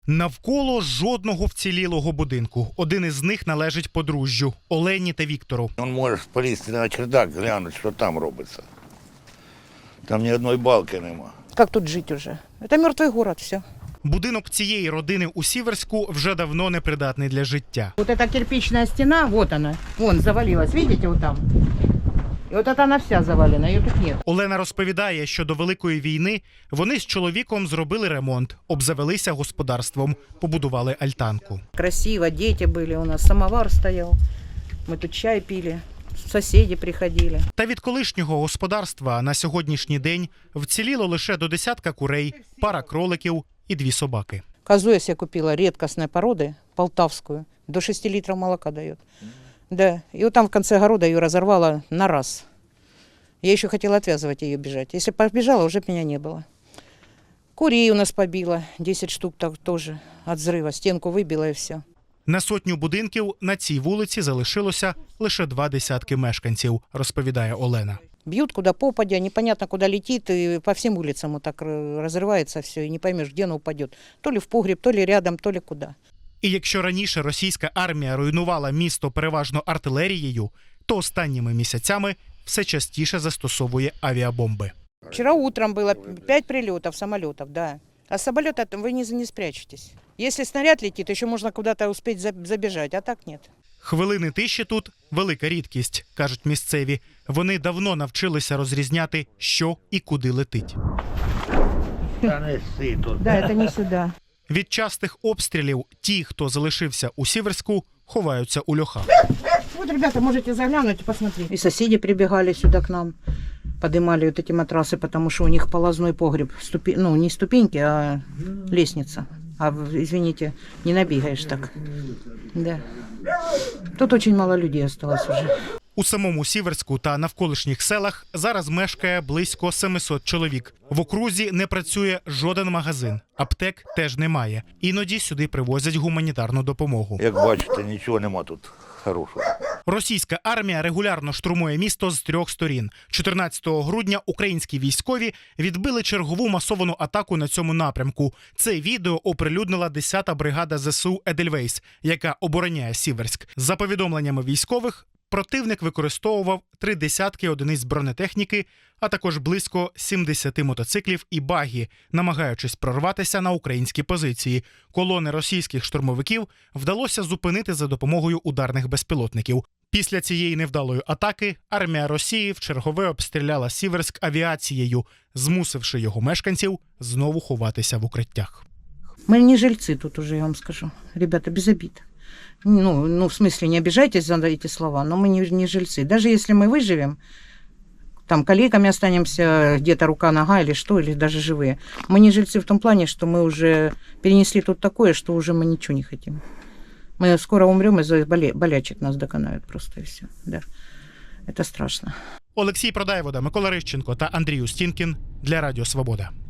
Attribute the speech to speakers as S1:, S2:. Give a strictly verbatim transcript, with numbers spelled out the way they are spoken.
S1: Навколо жодного вцілілого будинку. Один із них належить подружжю – Олені та Віктору.
S2: Він може полізти на чердак, глянути, що там робиться. Там ні одної балки нема.
S3: Как тут жить уже? Это мертвый город, все.
S1: Будинок цієї родини у Сіверську вже давно непридатний для життя.
S3: Вот эта кирпичная стена, вот она, вон завалилась, видите, вот там. И вот это она вся завалена, ее тут нет.
S1: Олена розповідає, що до Великої війни вони з чоловіком зробили ремонт, обзавелися господарством, побудували альтанку.
S3: Красиво, дети были у нас, самовар стоял, мы тут чай пили, соседи приходили.
S1: Та від колишнього господарства на сьогоднішній день вціліло лише до десятка курей, пара кроликів і дві собаки.
S3: Козу я себе купила редкостной породы, полтавскую, до шести литров молока дает. Да, и вот там в конце огорода ее разорвала на раз. Я еще хотела отвязывать ее, бежать. Если побежала, уже б меня не было. Курей у нас побила, десять штук так тоже от взрыва, стенку выбила и все.
S1: На сотню будинків на цій вулиці залишилося лише два десятки мешканців, розповідає Олена.
S3: Бьют куда попадя, непонятно куда летит, и по всем улицам вот так разрывается все, и не поймешь, где оно упадет. То ли в погреб, то ли рядом, то ли куда.
S1: І якщо раніше російська армія руйнувала місто переважно артилерією, то останніми місяцями все частіше застосовує авіабомби.
S3: Вчера утром было пять прилетов самолетов, да. А с самолета вы не, не спрячетесь. Если снаряд летит, еще можно куда-то успеть забежать, а так нет.
S1: Хвилини тиші тут – велика рідкість, кажуть місцеві. Вони давно навчилися розрізняти, що і куди летить.
S2: Та не си тут.
S3: Да, это не сюда.
S1: Від частих обстрілів ті, хто залишився у Сіверську, ховаються у льохах.
S3: Вот, ребята, можете заглянуть и посмотреть. И соседи прибегали сюда к нам, поднимали вот эти матрасы, потому что у них полозной погреб. Ступи... Ну, не ступеньки, а лестница. А, извините, не набегаешь так. Да. Тут очень мало людей осталось уже.
S1: У самому Сіверську та навколишніх селах зараз мешкає близько семисот чоловік. В окрузі не працює жоден магазин, аптек теж немає. Іноді сюди привозять гуманітарну допомогу.
S2: Як бачите, нічого нема тут хорошого.
S1: Російська армія регулярно штурмує місто з трьох сторін. чотирнадцятого грудня українські військові відбили чергову масовану атаку на цьому напрямку. Це відео оприлюднила десята бригада ЗСУ «Едельвейс», яка обороняє Сіверськ. За повідомленнями військових, противник використовував три десятки одиниць бронетехніки, а також близько сімдесяти мотоциклів і багі, намагаючись прорватися на українські позиції. Колони російських штурмовиків вдалося зупинити за допомогою ударних безпілотників. Після цієї невдалої атаки армія Росії вчергове обстріляла Сіверськ авіацією, змусивши його мешканців знову ховатися в укриттях.
S3: Мы не жильцы тут уже, я вам скажу. Ребята, без обид. Ну, ну, в смысле, не обижайтесь за эти слова, но мы не, не жильцы. Даже если мы выживем, там, калеками останемся, где-то рука-нога или что, или даже живые. Мы не жильцы в том плане, что мы уже перенесли тут такое, что уже мы ничего не хотим. Мы скоро умрем, из-за боле- болячек нас доконают просто, и все. Да. Это страшно.
S1: Олексій Продаєвода, Микола Рищенко та Андрій Устінкін для Радіо Свобода.